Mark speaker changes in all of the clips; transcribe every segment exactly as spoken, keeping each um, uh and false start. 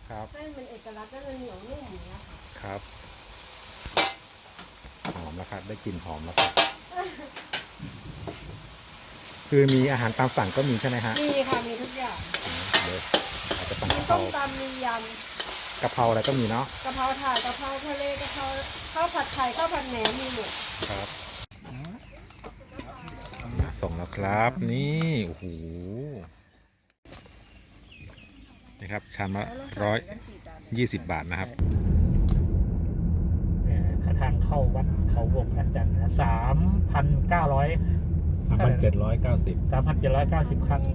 Speaker 1: เส้นเป็นเอกลักษณ์ก็จะเหนียวนุ่มอย่างเงี้ยค่ะ
Speaker 2: ครับหอมแล้วครับได้กลิ่นหอมแล้วครับคือมีอาหารตามสั่งก็มีใช่ไหมฮะ
Speaker 1: มีค่ะมีทุกอย่าง
Speaker 2: เดี๋ยวอาจจะสั่ง
Speaker 1: มี
Speaker 2: กะเพ
Speaker 1: ต้
Speaker 2: ราม
Speaker 1: ตำมีย
Speaker 2: กะเพราอะไรก็มีเนาะ
Speaker 1: ำกะเพราถาดกะเพราทะเลกะเพราข้าวผัดไทยข้าวผัดแหนมมีหมด
Speaker 2: ครับส่งแล้วครับนี่โอ้โหนี่ครับชามละร้อยยี่สิบบาทนะครับ
Speaker 3: ทางเข้าวัดเขาวงพระจันทร์นะสามพันเก้าร้อย
Speaker 2: สามพันเจ็ดร้อยเก้าสิบ
Speaker 3: สามพันเจ็ดร้อยเก้าสิบครั้ง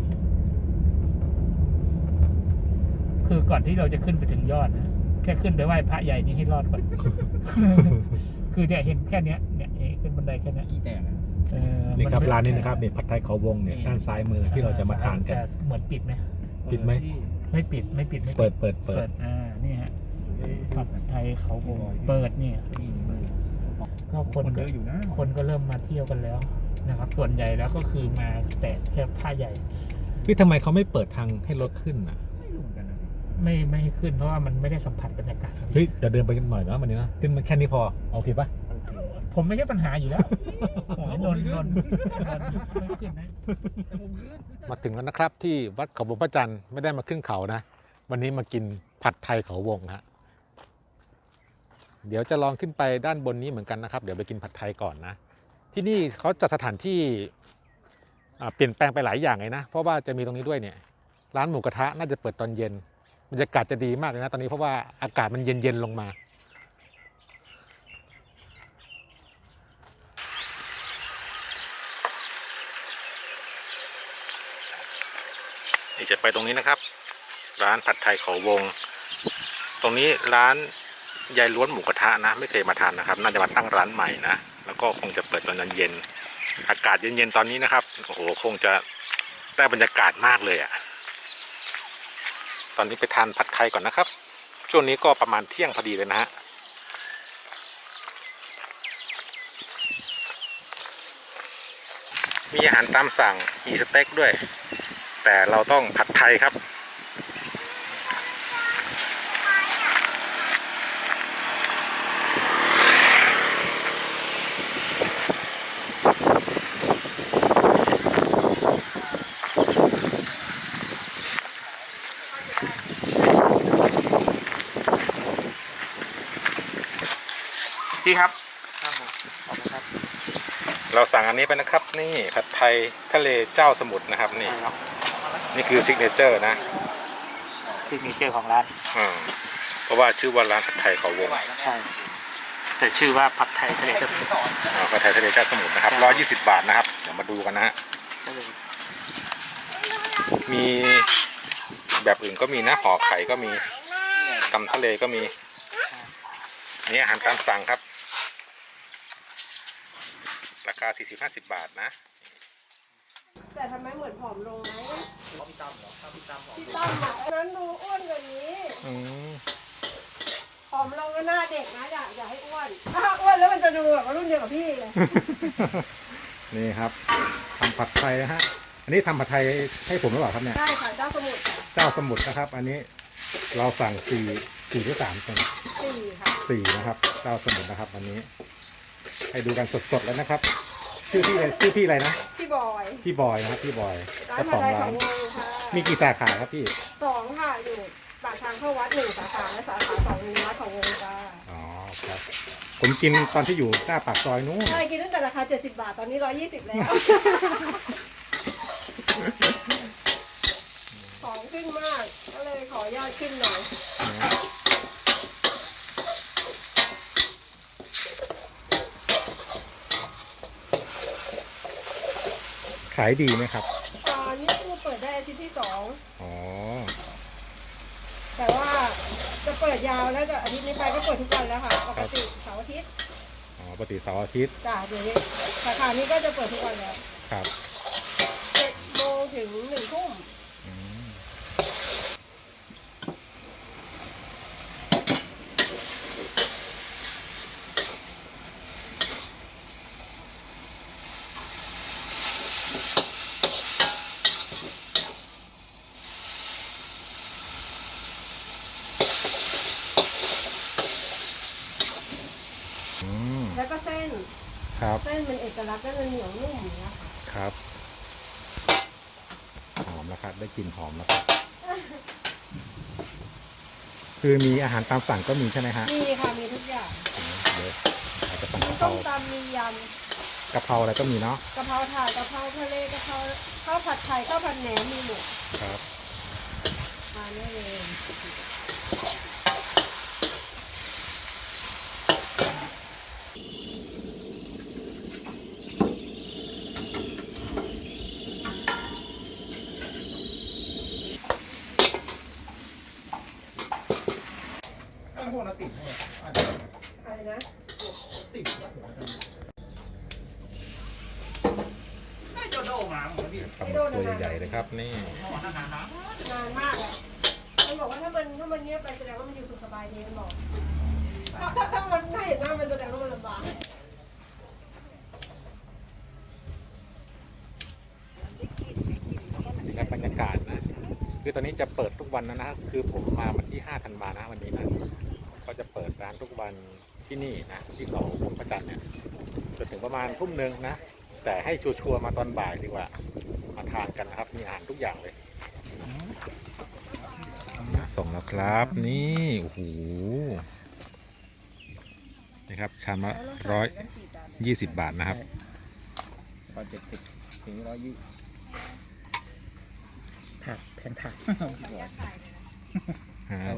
Speaker 3: คือก่อนที่เราจะขึ้นไปถึงยอดนะแค่ขึ้นไปไหว้พระใหญ่นี้ให้รอดก่อน คือเนี่ยเห็นแค่เนี้ยเนี่ยขึ้นบันไดแค่นี้
Speaker 4: ขี้แตก
Speaker 2: นี่ครับร้านนี้นะครับเนี่ยผัดไทยเขาวงเนี่ยด้านซ้ายมือที่เราจะมาทานกัน
Speaker 3: เหมือนปิดไหม
Speaker 2: ปิดไหม
Speaker 3: ไม่ปิดไม่ปิดไม่
Speaker 2: เปิดเปิดเปิด
Speaker 3: อ่านี่ฮะผัดไทยเขาวงเปิดเนี่ยก็คนก็อยู่นะคนก็เริ่มมาเที่ยวกันแล้วนะครับส่วนใหญ่แล้วก็คือมาแต่แค่ผ้าใหญ่
Speaker 2: พี่ทำไมเขาไม่เปิดทางให้รถขึ้นอ่ะ
Speaker 3: ไม่ไม่ให้ขึ้นเพราะว่ามันไม่ได้สัมผัสบรรยากาศ
Speaker 2: เฮ้ยเดี๋ยวเดินไปกันหน่อยนะวันนี้นะขึ้นมาแค่นี้พอโอเคปะ
Speaker 3: ผมไม่ใช่ปัญหาอยู่แล้วโอ้ยนนนนไม่ขึ้นนะ
Speaker 2: มาถึงแล้วนะครับที่วัดเขาวงพระจันทร์ไม่ได้มาขึ้นเขานะวันนี้มากินผัดไทยเขาวงฮะเดี๋ยวจะลองขึ้นไปด้านบนนี้เหมือนกันนะครับเดี๋ยวไปกินผัดไทยก่อนนะที่นี่เขาจัดสถานที่เปลี่ยนแปลงไปหลายอย่างเลยนะเพราะว่าจะมีตรงนี้ด้วยเนี่ยร้านหมูกระทะน่าจะเปิดตอนเย็นบรรยากาศจะดีมากเลยนะตอนนี้เพราะว่าอากาศมันเย็นๆลงมานี่จะไปตรงนี้นะครับร้านผัดไทยเขาวงตรงนี้ร้านยายล้วนหมูกระทะนะไม่เคยมาทานนะครับน่าจะมาตั้งร้านใหม่นะแล้วก็คงจะเปิดตอนเย็นอากาศเย็นๆตอนนี้นะครับโอ้โหคงจะได้บรรยากาศมากเลยอ่ะตอนนี้ไปทานผัดไทยก่อนนะครับช่วงนี้ก็ประมาณเที่ยงพอดีเลยนะฮะมีอาหารตามสั่งมีสเต็กด้วยแต่เราต้องผัดไทยครับพี่ครับครับผมขอบคุณครับเราสั่งอันนี้ไปนะครับนี่ผัดไทยทะเลเจ้าสมุทรนะครับนี่นี่คือซิกเนเจอร์นะ
Speaker 3: ซิกเนเจอร์ของร้าน
Speaker 2: อ่าเพราะว่าชื่อว่าร้านผัดไทยเขาวง
Speaker 3: ใช่แต่ชื่อว่าผัดไทยทะเลเจ้าสมุทร
Speaker 2: อ่าผัดไทยทะเลเจ้าสมุทรนะครับร้อยยี่สิบบาทนะครับเดี๋ยวมาดูกันนะฮะมีแบบอื่นก็มีนะห่อไข่ก็มีตำทะเลก็มีนี่อาหารตามสั่งครับราคา สี่สิบห้าสิบบาทนะ
Speaker 1: แต่ทำไมเหมือนผอมลงไหมพี่ตั้มเหรอพี่ตั้มพี่ตั้มอ่ะนั้นดูอ้วนกว่านี้ผอมลงก็หน้าเด็กนะอย่าอย่าให้อ้วนถ้าอ้วนแล้วมันจะดูแบบว่ารุ่นเดียวกับพี่เลย
Speaker 2: นี่ครับทำผัดไทยนะฮะอันนี้ทำผัดไทยให้ผมหรือเปล่าครับเนี่ย
Speaker 1: ใช่ค่ะเจ้าสมุทร
Speaker 2: เจ้าสมุทรนะครับอันนี้เราสั่งสี่สี่หรือสามคน
Speaker 1: สี่ค่ะ
Speaker 2: สี่นะครับเจ้าสมุทรนะครับวันนี้ให้ดูกันสดๆแล้วนะครับชื่อพี่อะไรชื่อพี่อะไรนะ
Speaker 1: พี่บอย
Speaker 2: พี่บอยนะครับพี่บอย
Speaker 1: ร้านผัดไทยเขาวงค่ะ
Speaker 2: มีกี่สาขาครับพี่
Speaker 1: สองค่ะอยู่ปากทางเข้าวัดหนึ่งสาขาและสาขาสองอยู่วัดเขาวงจ้า
Speaker 2: อ๋อครับผมกินตอนที่อยู่หน้าปากซอยนู้น
Speaker 1: ใช่กินตั้งแต่ราคาเจ็ดสิบบาทตอนนี้ร้อยยี่สิบแล้วของขึ้นมากก็เลยขออนุญาตขึ้นหน่อย
Speaker 2: ขายดีไหมครับ
Speaker 1: ตอนนี้คือเปิดได้อาทิตย์ที่สอง
Speaker 2: อ๋อ
Speaker 1: แต่ว่าจะเปิดยาวแล้วก็อาทิตย์นี้ไปก็เปิดทุกวันแล้วค่ะปกติเสาร์อาทิตย์
Speaker 2: อ๋อปกติเสาร์อาทิตย์
Speaker 1: จ้าเดี๋ยวนี้สาขานี้ก็จะเปิดทุกวันแล้ว
Speaker 2: ครับ
Speaker 1: เจ็ดโมงถึงหนึ่งทุ่มแล้วก็เส้น
Speaker 2: ครับ
Speaker 1: เส้นเป็นเอกลักษณ์ก็จะเหนียวนุ่มอย่างเงี้ยค่ะ
Speaker 2: ครับหอมแล้วครับได้กลิ่นหอมแล้วครับคือมีอาหารตามสั่งก็มีใช่ไหมฮะ
Speaker 1: มีค่ะมีทุกอย่าง
Speaker 2: เดี๋ยวอาจจะสั่ง
Speaker 1: มี
Speaker 2: กะเพ
Speaker 1: ต้
Speaker 2: ราม
Speaker 1: ตำมีย
Speaker 2: กะเพราอะไรก็มีเนาะ
Speaker 1: ำกะเพราถาดกะเพราทะเลกะเพราข้าวผัดไทยข้าวผัดแหนมมีหมด
Speaker 2: ครับ
Speaker 1: ทานได้เลย
Speaker 4: ตั้งพวกเราติดเลยอาจจะ
Speaker 1: อะไรนะ
Speaker 4: ติดหัวจังไม่โดนโดมาเหมือนพี่
Speaker 2: ปลาหมึกตัวใหญ่ๆเลยครับนี่
Speaker 4: นานๆนะ
Speaker 1: นานมากอ่ะมันบอกว่าถ้ามันถ้ามันเงียบไปแสดงว่ามันอยู่สุขสบายดีมันบอกถ้าถ้าถ้ามันถ้าเห็นหน้ามันแสดงว่ามันลำบาก
Speaker 2: นี่ครับบรรยากาศนะคือตอนนี้จะเปิดทุกวันนะนะคือผมมาวันที่ห้าธันวานะวันนี้นะก็จะเปิดร้านทุกวันที่นี่นะที่เขาวงพระจันทร์เนี่ยจนถึงประมาณทุ่มหนึ่งนะแต่ให้ชัวร์ๆมาตอนบ่ายดีกว่ามาทานกันนะครับมีอาหารทุกอย่างเลยส่งแล้วครับนี่โอ้โหนี่ครับชามละร้อยยี่สิบบาทนะครับ
Speaker 4: ตอนเจ็ดสิบถึงร้อยยี่
Speaker 3: ถักแผ่นถัก
Speaker 2: ฮะ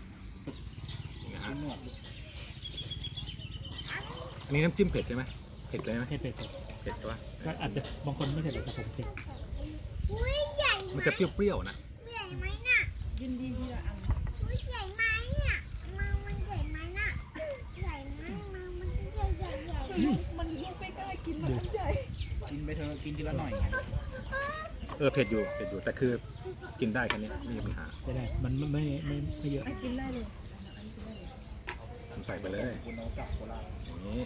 Speaker 2: อันนี้น้ำจิ้มเผ็ดใช่ไหมเผ็ดเลยไหม
Speaker 3: ให้เผ็ด
Speaker 2: เผ็ดใช่ปะ
Speaker 3: ก็อาจจะบางคนไม่เผ็ดแต่ผมเผ็ด
Speaker 2: มันจะเปรี้ยวๆนะ
Speaker 5: ใหญ่ไหมน่ะยินดีที่ละอันใหญ่ไหมน่ะมามันใหญ่ไหมน่ะใหญ่ไหมมามันใหญ่ใหญ่ใหญ่มันลูกไม่กล้ากินมันใหญ่
Speaker 4: กินไปเถอะกินทีละหน่อย
Speaker 2: เออเผ็ดอยู่เผ็ดอยู่แต่คือกินได้แค่นี้ไม่มีปัญหา
Speaker 3: ไม่ได้มันไม่ไม่ไม่ไม่เยอะ
Speaker 5: กินได้เลย
Speaker 2: ผมใส่ไปเลย
Speaker 4: คุณเอากลับโคราช
Speaker 2: อย่างนี้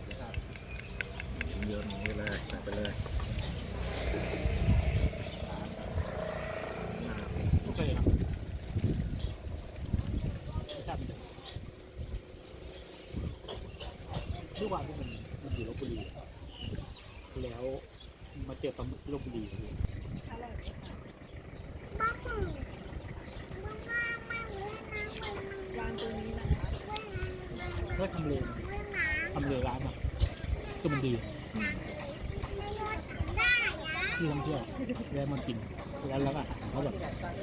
Speaker 2: เยอะๆอย่างนี้เลยใส่ไปเลย
Speaker 3: โอเคครับทุกวันที่มันมันอยู่ลบบุรีแล้วมาเจอปลาหมึกลบบุรี
Speaker 5: บ้าปื้บ้าบ้าบ้าเลยนะวางตรงนี้นะคะ
Speaker 3: ก็ทำเลทำเลร้านอ่ะคือมันดี
Speaker 5: ไม่รอดได้อะ
Speaker 3: ที่ท่องเที่ยวแล้วมันกินแล้วแล้วก็อาหารเขาแบบ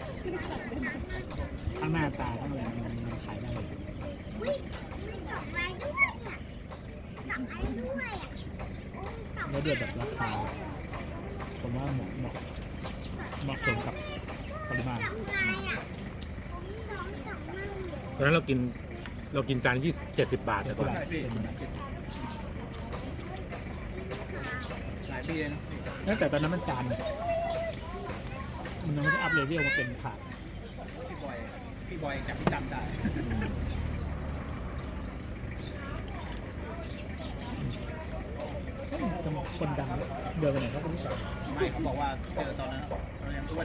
Speaker 3: ทั้งหน้าตาทั้งอะไรมันมันขายได้
Speaker 5: อุ้ยมีดอกไม้ด้วยอ่ะดอกไม้ด้วยอ่ะดอก
Speaker 3: แล้วเดือดแบบราคาผมว่าเหมาะเหมาะเหมาะสมกับปริมาณ
Speaker 5: ไม้อ่ะผมร้องดอกไม้อยู่
Speaker 2: ตอนนั้นเรากินเรากินจานยี่เจ็ดสิบบาทแต่ก่อน
Speaker 4: หลายปีหลายปีเลยนะ
Speaker 3: ตั้งแต่ตอนนั้นมันจานมันยังไม่ได้อัพเลเวลมาเป็นถาด
Speaker 4: พี่บอยพี่บอยจับพี่จำได้
Speaker 3: จังหวะคนดังเดินไปไหนก็ไม่รู้
Speaker 4: ไม่เขาบอกว่าเจอตอนนั้นตอนนั้นอ้วน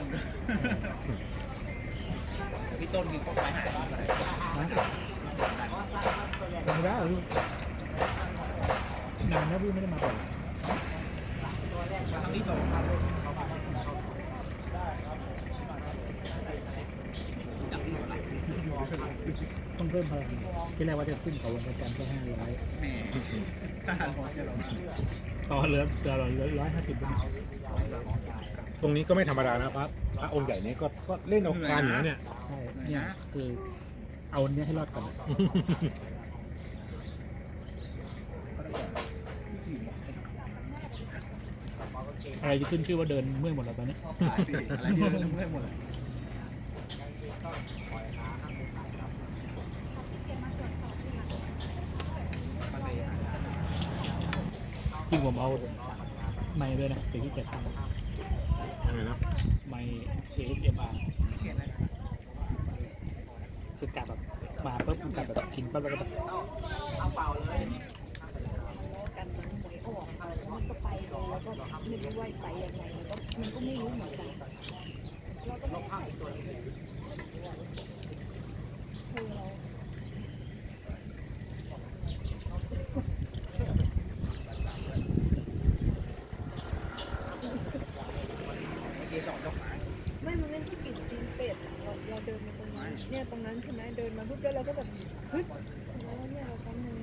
Speaker 4: พี่ต้นกินเข้าไปหายไปเลย
Speaker 3: ไม่ได้ลูกนานแล้วพี่ไม่ได้มาบ่อย
Speaker 4: ครั้งที่สองจับที่หัวไหล่
Speaker 3: ต้องเพิ่มพลังที่แรกว่าจะขึ้นเขาวันประจันทร์แค่ห้าร้อย
Speaker 4: แม่ถ้าหันหัวจะหลง
Speaker 3: ต่อเหลือเหลือร้อยห้าสิบ
Speaker 2: ตรงนี้ก็ไม่ธรรมดานะครับพระองค์ใหญ่นี้ก็ก็เล่นเอาการอยู่นะเนี่ย
Speaker 3: ใช่เนี่ยคือเอาเนี้ยให้รอดก่อน อะไรจะขึ้นชื่อว่าเดินเมื่อยหมดแล้วตอนนี้
Speaker 4: อะไรที่เราเริ่มเริ่มหมดเลย
Speaker 3: จริงผมเอาไม้ด้วยนะแต่ที่เกียจท
Speaker 2: อะไรนะ
Speaker 3: ำไม้ เอ เอส เอ็ม อาร์ คือกลับแบบมาปุ๊บมันกลับแบบกินปุ๊บแล้วก็แบบ
Speaker 5: กันมันหวยออกมันก็ไปเลยแล้วก็ไม่รู้ว่าไปยังไงมันก็มันก็ไม่รู้เหมือนกันเราก็ไม่ถ่ายตัวคือเราเดินมาตรงนี้เนี่ยตรงนั้นใช่ไหมเดินมาปุ๊บแล้วเราก็แบบเฮ้ยแล้วเนี่ยเราตั้งนึง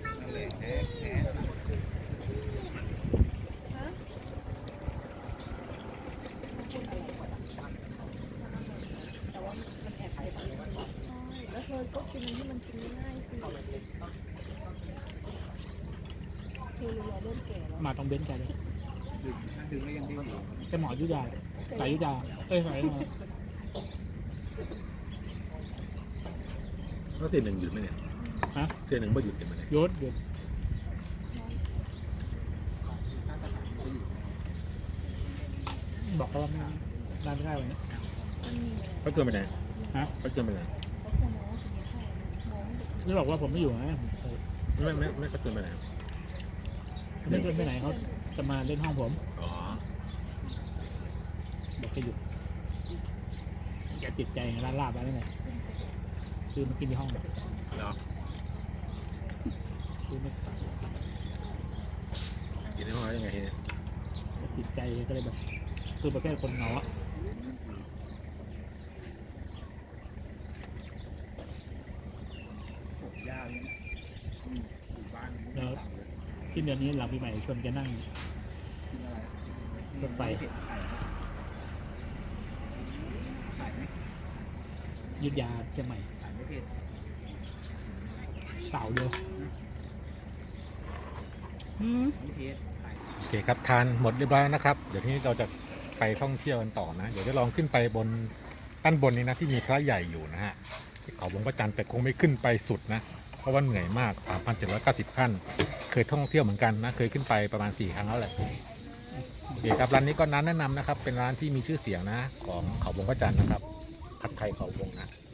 Speaker 5: ฮะแต่ว่ามันแอบไปแบบใช่แล้วเธอก็กินอันที่มันชิมง่ายสิเธอรู้ว่าเริ่มแก่แล้ว
Speaker 3: มาตรงเบนซ์แกเลย
Speaker 4: ดึงดึงก็ยังดึงอยู่
Speaker 3: แกหมอยุทธยาสายยุทธยาเอ้ยสายยุทธยา
Speaker 2: แล้วเทียนหนึ่งหยุดไหมเนี่ย
Speaker 3: ฮะ
Speaker 2: เทียนหนึ่งไม่หยุดเห็นไหมเนี่ย
Speaker 3: ยศหยุดบอกเขาว่าไม่ได้ไม่ได้วันนี้
Speaker 2: เขาเกินไปไหน
Speaker 3: ฮะ
Speaker 2: เขาเกินไปไหน
Speaker 3: นี่บอกว่าผมไม่อยู่นะ
Speaker 2: ไม่ไม่ไม่เขาเกินไปไหน
Speaker 3: ไม่เกินไปไหนเขาจะมาเล่นห้องผม
Speaker 2: อ๋อ
Speaker 3: บอกจะหยุดแกติดใจร้านลาบอะไรเนี่ยซื้อมากินที่ห้อง
Speaker 2: แล้ว
Speaker 3: ซื้อมา
Speaker 2: กินในห้องแล้วยังไงทีเนี่ย
Speaker 3: แกติดใจก็เลยแบบคือประเภทคนเหงาอะ
Speaker 4: ปลูกหญ้าเนี่ยปลูกบ้าน
Speaker 3: แล้วที่เดือนนี้หลังปีใหม่ชวนแกนั่ง
Speaker 4: กินอะไร
Speaker 3: รถไฟ
Speaker 4: เผ็ดไข่ไข่ไหม
Speaker 3: ยุทธยาเชียงใหม่
Speaker 4: ไข่ไม่เผ็ด
Speaker 3: เสาร์เดียวอืม
Speaker 4: ไม่เผ็ดไข่
Speaker 2: โอเคครับทานหมดเรียบร้อยแล้วนะครับ เดี๋ยวทีนี้เราจะไปท่องเที่ยวกันต่อนะ เดี๋ยวจะลองขึ้นไปบนด้านบนนี้นะที่มีพระใหญ่อยู่นะฮะที่เขาวงพระจันทร์แต่คงไม่ขึ้นไปสุดนะ เพราะว่าเหนื่อยมาก สามพันเจ็ดร้อยเก้าสิบ ขั้น เคยท่องเที่ยวเหมือนกันนะ เคยขึ้นไปประมาณสี่ครั้งแล้วแหละ โอเคครับร้านนี้ก็ร้านแนะนำนะครับ เป็นร้านที่มีชื่อเสียงนะของเขาวงพระจันทร์นะครับผัดไทยเขาวงนะ